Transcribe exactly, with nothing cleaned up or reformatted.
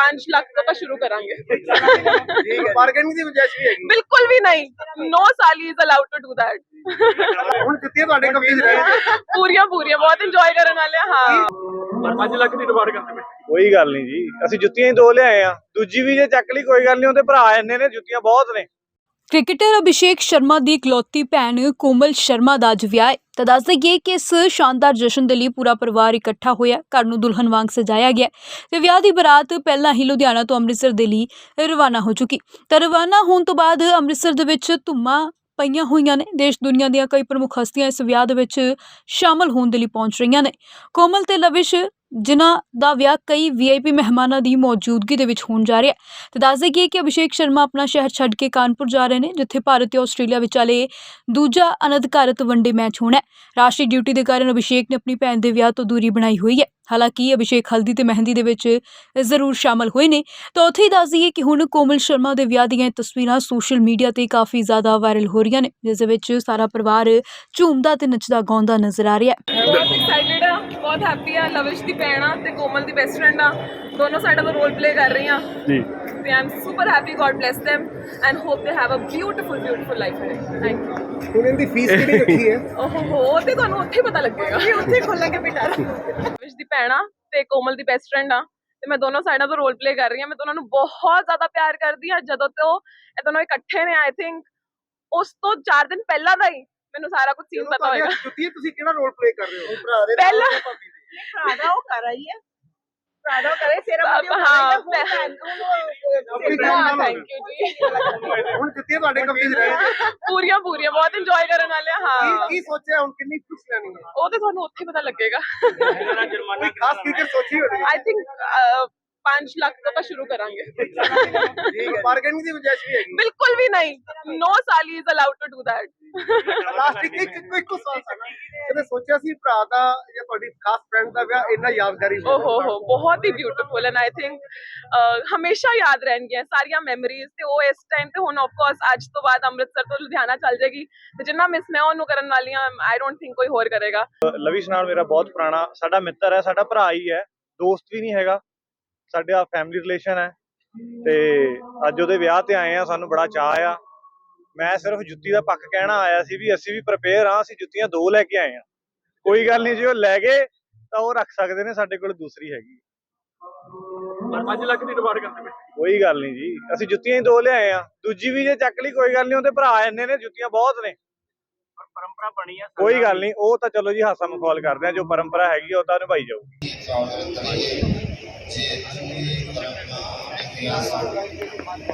पांच लाख तो ਆਪਾਂ ਸ਼ੁਰੂ ਕਰਾਂਗੇ। ਬਾਰਗੇਨਿੰਗ ਦੀ ਗੁੰਜਾਇਸ਼ ਵੀ ਹੈਗੀ? ਬਿਲਕੁਲ ਵੀ ਨਹੀਂ। no ਸਾਲੀ is allowed to do that। ਹੁਣ ਜੁੱਤੀਆਂ ਤੁਹਾਡੇ ਕਬਜ਼ੇ 'ਚ ਰਹਿਣਗੀਆਂ? ਪੂਰੀਆਂ ਪੂਰੀਆਂ ਬਹੁਤ ਇੰਜੋਏ ਕਰਨ ਵਾਲੇ ਆ। ਹਾਂ ਪੰਜ ਲੱਖ ਦੀ ਡਿਮਾਂਡ ਕਰਦੇ ਪਏ। ਕੋਈ ਗੱਲ ਨਹੀਂ ਜੀ, ਅਸੀਂ ਜੁੱਤੀਆਂ ਹੀ ਦੋ ਲਿਆਏ ਆ, ਦੂਜੀ ਵੀ ਜੇ ਚੱਕ ਲਈ ਕੋਈ ਗੱਲ ਨਹੀਂ, ਉਹਦੇ ਭਰਾ ਇੰਨੇ ਨੇ, ਜੁੱਤੀਆਂ ਬਹੁਤ ਨੇ। ਕ੍ਰਿਕਟਰ ਅਭਿਸ਼ੇਕ ਸ਼ਰਮਾ ਦੀ ਇਕਲੌਤੀ ਭੈਣ ਕੋਮਲ ਸ਼ਰਮਾ ਦਾ ਅੱਜ ਵਿਆਹ ਹੈ। ਤਾਂ ਦੱਸ ਦੇਈਏ ਕਿ ਇਸ ਸ਼ਾਨਦਾਰ ਜਸ਼ਨ ਦੇ ਲਈ ਪੂਰਾ ਪਰਿਵਾਰ ਇਕੱਠਾ ਹੋਇਆ, ਘਰ ਨੂੰ ਦੁਲਹਨ ਵਾਂਗ ਸਜਾਇਆ ਗਿਆ ਤੇ ਵਿਆਹ ਦੀ ਬਰਾਤ ਪਹਿਲਾਂ ਹੀ ਲੁਧਿਆਣਾ ਤੋਂ ਅੰਮ੍ਰਿਤਸਰ ਦੇ ਲਈ ਰਵਾਨਾ ਹੋ ਚੁੱਕੀ। ਤਾਂ ਰਵਾਨਾ ਹੋਣ ਤੋਂ ਬਾਅਦ ਅੰਮ੍ਰਿਤਸਰ ਦੇ ਵਿੱਚ ਧੁੰਮਾਂ ਪਈਆਂ ਹੋਈਆਂ ਨੇ। ਦੇਸ਼ ਦੁਨੀਆ ਦੀਆਂ ਕਈ ਪ੍ਰਮੁੱਖ ਹਸਤੀਆਂ ਇਸ ਵਿਆਹ ਦੇ ਵਿੱਚ ਸ਼ਾਮਲ ਹੋਣ ਦੇ ਲਈ ਪਹੁੰਚ ਰਹੀਆਂ ਨੇ। ਕੋਮਲ ਤੇ ਲਵਿਸ਼ ਜਿਨ੍ਹਾਂ ਦਾ ਵਿਆਹ ਕਈ ਵੀ ਆਈ ਪੀ ਮਹਿਮਾਨਾਂ ਦੀ ਮੌਜੂਦਗੀ ਦੇ ਵਿੱਚ ਹੋਣ ਜਾ ਰਿਹਾ ਹੈ। ਤੇ ਦੱਸ ਦੇਈਏ ਕਿ ਅਭਿਸ਼ੇਕ ਸ਼ਰਮਾ ਆਪਣਾ ਸ਼ਹਿਰ ਛੱਡ ਕੇ ਕਾਨਪੁਰ ਜਾ ਰਹੇ ਨੇ, ਜਿੱਥੇ ਭਾਰਤ ਤੇ ਆਸਟ੍ਰੇਲੀਆ ਵਿਚਾਲੇ ਦੂਜਾ ਅਨਧਿਕਾਰਤ ਵਨਡੇ ਮੈਚ ਹੋਣਾ ਹੈ। ਰਾਸ਼ਟਰੀ ਡਿਊਟੀ ਦੇ ਕਾਰਨ ਅਭਿਸ਼ੇਕ ਨੇ ਆਪਣੀ ਭੈਣ ਦੇ ਵਿਆਹ ਤੋਂ ਦੂਰੀ ਬਣਾਈ ਹੋਈ ਹੈ। ਹਾਲਾਂਕਿ ਅਭਿਸ਼ੇਕ ਹਲਦੀ ਤੇ ਮਹਿੰਦੀ ਦੇ ਵਿੱਚ ਜ਼ਰੂਰ ਸ਼ਾਮਲ ਹੋਏ ਨੇ। ਤਾਂ ਉੱਥੇ ਹੀ ਦੱਸ ਦਈਏ ਕਿ ਹੁਣ ਕੋਮਲ ਸ਼ਰਮਾ ਦੇ ਵਿਆਹ ਦੀਆਂ ਤਸਵੀਰਾਂ ਸੋਸ਼ਲ ਮੀਡੀਆ ਤੇ ਕਾਫੀ ਜ਼ਿਆਦਾ ਵਾਇਰਲ ਹੋ ਰਹੀਆਂ ਨੇ, ਜਿਸ ਦੇ ਵਿੱਚ ਸਾਰਾ ਪਰਿਵਾਰ ਝੂਮਦਾ ਤੇ ਨੱਚਦਾ ਗਾਉਂਦਾ ਨਜ਼ਰ ਆ ਰਿਹਾ ਹੈ। ਬਹੁਤ ਐਕਸਾਈਟਿਡ ਆ, ਬਹੁਤ ਹੈਪੀ ਆ। ਲਵਿਸ਼ ਦੀ ਭੈਣ ਆ ਤੇ ਕੋਮਲ ਦੀ ਬੈਸਟ ਫਰੈਂਡ ਆ, ਦੋਨੋਂ ਸਾਈਡਾਂ ਤੋਂ ਰੋਲ ਪਲੇ ਕਰ ਰਹੀਆਂ ਜੀ। ਤੇ I am super happy, God bless them and hope they have a beautiful beautiful life ਹੈ। Thank you. ਹੁਣ ਇਹਦੀ ਫੀਸ ਕਿੰਨੀ ਰੱਖੀ ਹੈ? ਓਹੋ ਤੇ ਤੁਹਾਨੂੰ ਉੱਥੇ ਪਤਾ ਲੱਗੇਗਾ, ਉੱਥੇ ਖੋਲਾਂਗੇ ਬੇਟਾ। ਲਵਿਸ਼ ਦੀ ਭੈਣ ਆ ਤੇ ਕੋਮਲ ਦੀ ਬੈਸਟ ਫਰੈਂਡ ਆ ਤੇ ਮੈਂ ਦੋਨੋਂ ਸਾਈਡਾਂ ਤੋਂ ਰੋਲ ਪਲੇ ਕਰ ਰਹੀ ਹਾਂ। ਮੈਂ ਦੋਨਾਂ ਨੂੰ ਬਹੁਤ ਜ਼ਿਆਦਾ ਪਿਆਰ ਕਰਦੀ ਹਾਂ। ਜਦੋਂ ਤੋਂ ਇਹ ਦੋਨੋਂ ਇਕੱਠੇ ਨੇ, ਆਈ ਥਿੰਕ ਉਸ ਤੋਂ ਚਾਰ ਦਿਨ ਪਹਿਲਾਂ ਦਾ ਹੀ ਮੈਨੂੰ ਸਾਰਾ ਕੁਝ ਸੀਨ ਪਤਾ ਹੋਏਗਾ। ਜੁੱਤੀਆਂ ਤੁਸੀਂ ਕਿਹੜਾ ਰੋਲ ਪਲੇ ਕਰ ਰਹੇ ਹੋ? ਭਰਾ ਦੇ ਪਹਿਲਾਂ ਭਰਾ ਦਾ ਉਹ ਕਰ ਰਹੀ ਹੈ, ਭਰਾ ਦਾ ਕਰੇ ਸਿਰ ਹਾਂ ਥੈਂਕ ਯੂ ਜੀ। ਹੁਣ ਜੁੱਤੀਆਂ ਤੁਹਾਡੇ ਕਬਜ਼ੇ 'ਚ ਰਹਿਣਗੀਆਂ? ਪੂਰੀਆਂ ਪੂਰੀਆਂ ਬਹੁਤ ਇੰਜੋਏ ਕਰਨ ਵਾਲੇ ਆ। ਹਾਂ ਕੀ ਸੋਚਿਆ ਹੁਣ, ਕਿੰਨੀ ਖੁਸ਼ੀ ਲੈਣੀ ਹੈ? ਉਹ ਤੇ ਤੁਹਾਨੂੰ ਉੱਥੇ ਪਤਾ ਲੱਗੇਗਾ। ਕੋਈ ਖਾਸ ਫਿਕਰ ਸੋਚੀ ਹੋਣੀ? ਆਈ ਥਿੰਕ पांच लाख तो ਆਪਾਂ ਸ਼ੁਰੂ ਕਰਾਂਗੇ। ਬਾਰਗੇਨਿੰਗ ਦੀ ਗੁੰਜਾਇਸ਼ ਵੀ ਹੈਗੀ? ਬਿਲਕੁਲ ਵੀ ਨਹੀਂ। no ਸਾਲੀ is allowed to do that। Last ਇੱਕ ਇੱਕ ਇੱਕ ਸਵਾਲ ਸਾਡਾ, ਕਦੇ ਸੋਚਿਆ ਸੀ ਭਰਾ ਦਾ ਜਾਂ ਤੁਹਾਡੀ ਖਾਸ ਫਰੈਂਡ ਦਾ ਵਿਆਹ ਇੰਨਾ ਯਾਦਗਾਰੀ ਓ ਹੋ ਹੋ ਬਹੁਤ ਹੀ ਬਿਊਟੀਫੁਲ ਐਂਡ ਆਈ ਥਿੰਕ ਹਮੇਸ਼ਾ ਯਾਦ ਰਹਿਣਗੀਆਂ ਸਾਰੀਆਂ ਮੈਮਰੀਜ਼। ਤੇ ਉਹ ਇਸ ਟਾਈਮ ਤੇ ਹੁਣ ਆਫ ਕੋਰਸ ਅੱਜ ਤੋਂ ਬਾਅਦ ਅੰਮ੍ਰਿਤਸਰ ਤੋਂ ਲੁਧਿਆਣਾ ਚੱਲ ਜਾਏਗੀ ਤੇ ਜਿੰਨਾ ਮਿਸ ਮੈਂ ਉਹਨੂੰ ਕਰਨ ਵਾਲੀ ਆ, ਆਈ ਡੋਂਟ ਥਿੰਕ ਕੋਈ ਹੋਰ ਕਰੇਗਾ। ਲਵਿਸ਼ ਨਾਲ ਮੇਰਾ ਬਹੁਤ ਪੁਰਾਣਾ ਸਾਡਾ ਮਿੱਤਰ ਹੈ, ਸਾਡਾ ਭਰਾ ਹੀ ਹੈ, ਦੋਸਤ ਵੀ ਨਹੀਂ ਹੈਗਾ, ਸਾਡਾ ਫੈਮਿਲੀ ਰਿਲੇਸ਼ਨ ਹੈ। ਤੇ ਅੱਜ ਉਹਦੇ ਵਿਆਹ ਤੇ ਆਏ ਆ, ਸਾਨੂੰ ਬੜਾ ਚਾਅ ਆ। ਮੈਂ ਸਿਰਫ ਜੁੱਤੀ ਦਾ ਪੱਖ ਕਹਿਣਾ ਆਇਆ ਸੀ ਵੀ ਅਸੀਂ ਵੀ ਪ੍ਰਿਪੇਅਰ ਹਾਂ, ਅਸੀਂ ਜੁੱਤੀਆਂ ਦੋ ਲੈ ਕੇ ਆਏ ਆ। ਕੋਈ ਗੱਲ ਨਹੀਂ, ਜੇ ਉਹ ਲੈ ਗਏ ਤਾਂ ਉਹ ਰੱਖ ਸਕਦੇ ਨੇ, ਸਾਡੇ ਕੋਲ ਦੂਸਰੀ ਹੈਗੀ। ਪੰਜ ਲੱਖ ਦੀ ਡਿਮਾਂਡ ਕਰਦੇ ਪਏ। ਕੋਈ ਗੱਲ ਨਹੀਂ ਜੀ, ਅਸੀਂ ਜੁੱਤੀਆਂ ਹੀ ਦੋ ਲਿਆਏ ਆ, ਦੂਜੀ ਵੀ ਜੇ ਚੱਕ ਲਈ ਕੋਈ ਗੱਲ ਨਹੀਂ, ਉਹਦੇ ਭਰਾ ਇੰਨੇ ਨੇ, ਜੁੱਤੀਆਂ ਬਹੁਤ ਨੇ। ਪਰੰਪਰਾ ਬਣੀ ਹੈ, ਕੋਈ ਗੱਲ ਨਹੀਂ, ਉਹ ਤਾਂ ਚਲੋ ਜੀ ਹਾਸਾ ਮਖੌਲ ਕਰਦੇ ਆ, ਜੋ ਪਰੰਪਰਾ ਹੈਗੀ ਉਹ ਤਾਂ ਨਿਭਾਈ ਜਾਊਗੀ।